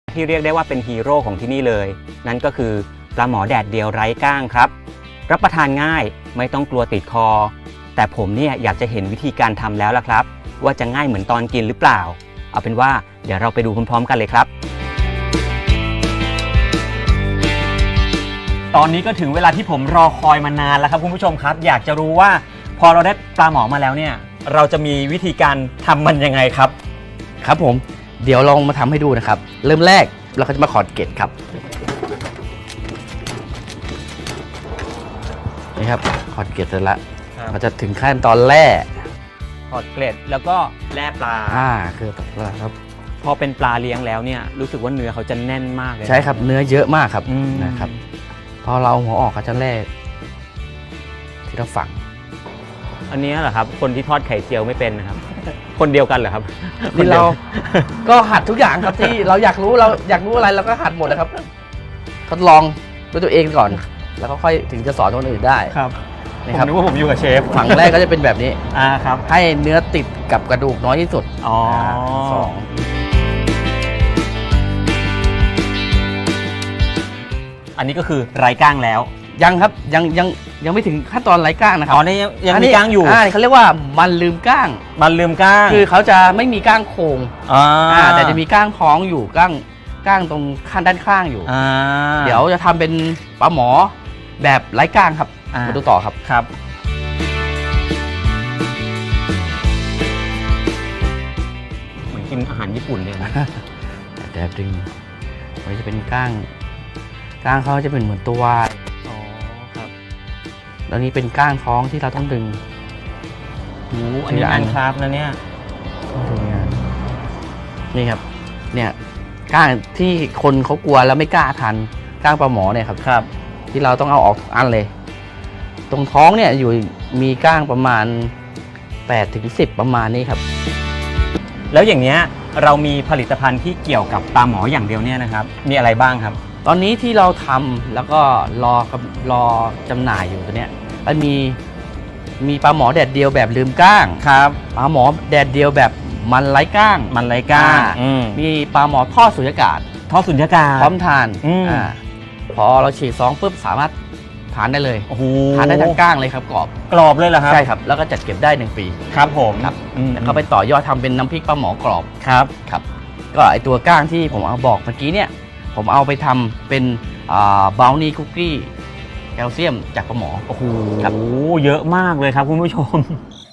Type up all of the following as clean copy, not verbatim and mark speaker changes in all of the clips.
Speaker 1: ที่เรียกได้ว่าเป็นฮีโร่ของที่นี่เลยนั่นก็คือปลาหมอแดดเดียวไร้ก้างครับรับประทานง่ายไม่ต้องกลัวติดคอแต่ผมเนี่ยอยากจะเห็นวิธีการทำแล้วล่ะครับว่าจะง่ายเหมือนตอนกินหรือเปล่าเอาเป็นว่าเดี๋ยวเราไปดูพร้อมๆกันเลยครับตอนนี้ก็ถึงเวลาที่ผมรอคอยมานานแล้วครับคุณผู้ชมครับอยากจะรู้ว่าพอเราได้ปลาหมอมาแล้วเนี่ยเราจะมีวิธีการทำมันยังไงครับ
Speaker 2: ครับผมเดี๋ยวลองมาทำให้ดูนะครับเริ่มแรกเราก็จะมาขอดเกล็ดครับนี่ครับขอดเกล็ดเสร็จแล้วเราจะถึงขั้นตอนแร่
Speaker 1: ขอดเกล็ดแล้วก็แล่ปลา
Speaker 2: คือตัดปลาครับ
Speaker 1: พอเป็นปลาเลี้ยงแล้วเนี่ยรู้สึกว่าเนื้อเขาจะแน่นมากเลย
Speaker 2: ใช่ครับเนื้อเยอะมากครับนะครับพอเราหัวออกก็จะแล่ที่เราฝัง
Speaker 1: อันนี้เหรอครับคนที่ทอดไข่เจียวไม่เป็นนะครับคนเดียวกันเหรอครับ
Speaker 2: นี่เราก็หัดทุกอย่างครับที่เราอยากรู้อะไรเราก็หัดหมดนะครับทดลองด้วยตัวเองก่อนแล้วก็ค่อยถึงจะสอนคนอื่นได้
Speaker 1: ครับผมนึกว่าผมอยู่กับเชฟ
Speaker 2: ฝั่งแรกก็จะเป็นแบบนี้
Speaker 1: ครับ
Speaker 2: ให้เนื้อติดกับกระดูกน้อยที่สุด
Speaker 1: สองอันนี้ก็คือไร้ก้างแล้ว
Speaker 2: ยังครับยังไม่ถึงขั้นตอนไร้ก้างนะครับ
Speaker 1: นี่ยังมีก้างอยู่
Speaker 2: เขาเรียกว่ามันลืมก้างคือเขาจะไม่มีก้างโครงแต่จะมีก้างท้องอยู่ก้างตรงด้านข้างอยู่เดี๋ยวจะทำเป็นปลาหมอแบบไร้ก้างครับมาดูต่อครับ
Speaker 1: เหมือนกินอาหารญี่ปุ่นเลยนะ
Speaker 2: แต่ดึงมันจะเป็นก้างเขาจะเป็นเหมือนตัว
Speaker 1: ครับ
Speaker 2: แล้วนี้เป็นก้างท้องที่เราต้องดึง
Speaker 1: อันนี้งานคราฟนะเนี่ย
Speaker 2: นี่ครับเนี่ยก้างที่คนเขากลัวแล้วไม่กล้าทานก้างปลาหมอเนี่ยครับที่เราต้องเอาออกทุกอันเลยตรงท้องเนี่ยอยู่มีก้างประมาณ8 ถึง 10ประมาณนี้ครับ
Speaker 1: แล้วอย่างเนี้ยเรามีผลิตภัณฑ์ที่เกี่ยวกับปลาหมออย่างเดียวเนี่ยนะครับมีอะไรบ้างครับ
Speaker 2: ตอนนี้ที่เราทำแล้วก็รอจำหน่ายอยู่ตัวเนี้ยแล้วมีปลาหมอแดดเดียวแบบลืมก้าง
Speaker 1: ครับ
Speaker 2: ปลาหมอแดดเดียวแบบมันไร้ก้างมีปลาหมอทอดสุญญากาศพร้อมทานพอเราฉีดซองปุ๊บสามารถทานได้เลยทานได้ทั้งก้างเลยครับกร
Speaker 1: อบเลยเหรอครับ
Speaker 2: ใช่ครับแล้วก็จัดเก็บได้1 ปี
Speaker 1: ครับผม
Speaker 2: แล้วก็ไปต่อยอดทำเป็นน้ำพริกปลาหมอกรอบครับก็ไอตัวก้างที่ผมเอาบอกเมื่อกี้เนี่ยผมเอาไปทำเป็นบราวนี่คุกกี้แคลเซียมจากปลาหมอ
Speaker 1: ครับเยอะมากเลยครับคุณผู้ชม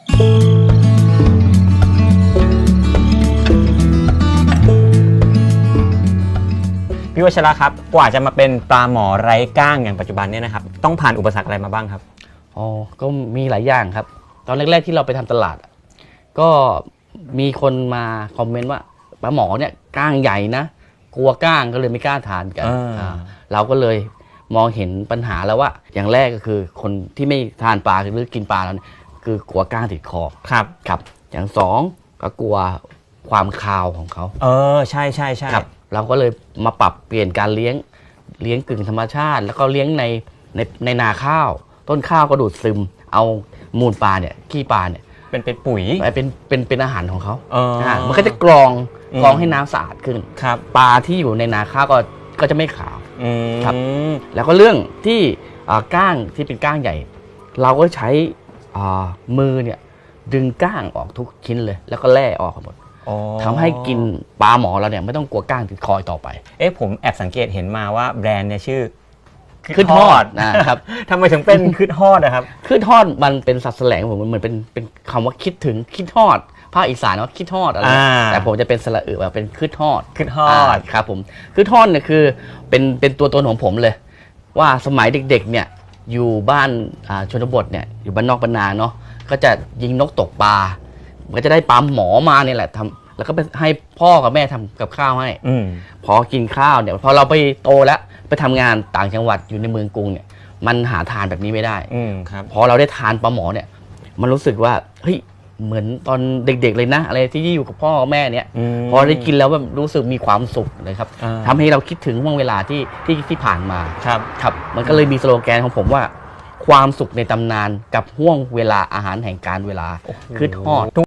Speaker 1: พี่วัชระครับกว่าจะมาเป็นปลาหมอไร้ก้างอย่างปัจจุบันเนี่ยนะครับต้องผ่านอุปสรรคอะไรมาบ้างครับ
Speaker 2: ก็มีหลายอย่างครับตอนแรกๆที่เราไปทำตลาดก็มีคนมาคอมเมนต์ว่าปลาหมอเนี่ยก้างใหญ่นะกลัวก้างก็เลยไม่กล้าทานกันเราก็เลยมองเห็นปัญหาแล้วว่าอย่างแรกก็คือคนที่ไม่ทานปลาหรือกินปลาแล้วเนี่ยคือกลัวก้างติดคอครับอย่างสองก็กลัวความคาวของเขา
Speaker 1: ใช่
Speaker 2: ครับเราก็เลยมาปรับเปลี่ยนการเลี้ยงกึ่งธรรมชาติแล้วก็เลี้ยงในนาข้าวต้นข้าวก็ดูดซึมเอามูลปลาเนี่ยขี้ปลาเนี่ย
Speaker 1: เป็นปุ๋ย
Speaker 2: เป็นอาหารของเขามันก็จะกรองให้น้ำสะอาดขึ้นปลาที่อยู่ในนาข้าวก็จะไม่ขาวครับแล้วก็เรื่องที่ก้างที่เป็นก้างใหญ่เราก็ใช้มือเนี่ยดึงก้างออกทุกชิ้นเลยแล้วก็แล่ออกหมดทำให้กินปลาหมอเราเนี่ยไม่ต้องกลัวก้างติดคอต่อไป
Speaker 1: ผมแอบสังเกตเห็นมาว่าแบรนด์เนี่ยชื่อ
Speaker 2: คืดฮอดนะครับ
Speaker 1: ทำไมถึงเป็นคืดฮอดนะครับ
Speaker 2: คืดฮอดมันเป็นศัพท์แสลงผมมันเหมือนเป็นคำว่าคิดถึงคิดฮอดภาคอีสานว่าคิดฮอดอะไรแต่ผมจะเป็นสระอึแบบเป็นคืดฮอดครับผมคืดฮอดเนี่ยคือเป็นตัวตนของผมเลยว่าสมัยเด็กๆเนี่ยอยู่บ้านชนบทเนี่ยอยู่บ้านนอกบ้านนาเนาะก็จะยิงนกตกปลาก็จะได้ปลาหมอมาเนี่ยแหละทำแล้วก็ไปให้พ่อกับแม่ทำกับข้าวให้พอกินข้าวเนี่ยพอเราไปโตแล้วไปทำงานต่างจังหวัดอยู่ในเมืองกรุงเนี่ยมันหาทานแบบนี้ไม่ได้พอเราได้ทานปลาหมอเนี่ยมันรู้สึกว่าเฮ้ยเหมือนตอนเด็กๆเลยนะอะไรที่อยู่กับพ่อกับแม่เนี่ยพอได้กินแล้วแบบรู้สึกมีความสุขเลยครับทำให้เราคิดถึงห่วงเวลาที่ผ่านมาครับมันก็เลยมีสโลแกนของผมว่าความสุขในตำนานกับห่วงเวลาอาหารแห่งการเวลาคือทอด